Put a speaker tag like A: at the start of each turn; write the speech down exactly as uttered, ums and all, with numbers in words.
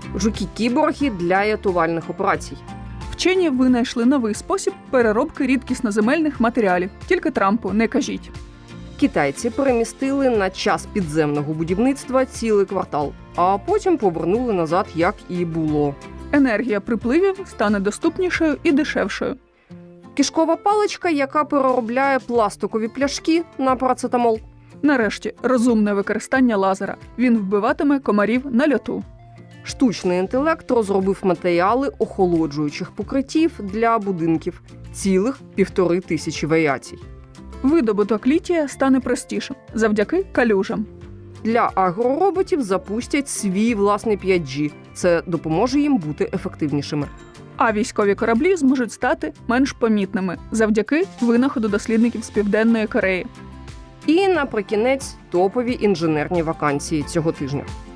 A: Жуки-кіборги для рятувальних операцій.
B: Вчені винайшли новий спосіб переробки рідкісноземельних матеріалів. Тільки Трампу не кажіть.
A: Китайці перемістили на час підземного будівництва цілий квартал, а потім повернули назад, як і було.
B: Енергія припливів стане доступнішою і дешевшою.
A: Кишкова паличка, яка переробляє пластикові пляшки на парацетамол.
B: Нарешті, розумне використання лазера. Він вбиватиме комарів на льоту.
A: Штучний інтелект розробив матеріали охолоджуючих покриттів для будинків. Цілих півтори тисячі варіацій.
B: Видобуток літія стане простішим завдяки калюжам.
A: Для агророботів запустять свій власний п'ять джі. Це допоможе їм бути ефективнішими.
B: А військові кораблі зможуть стати менш помітними завдяки винаходу дослідників з Південної Кореї.
A: І наприкінець топові інженерні вакансії цього тижня.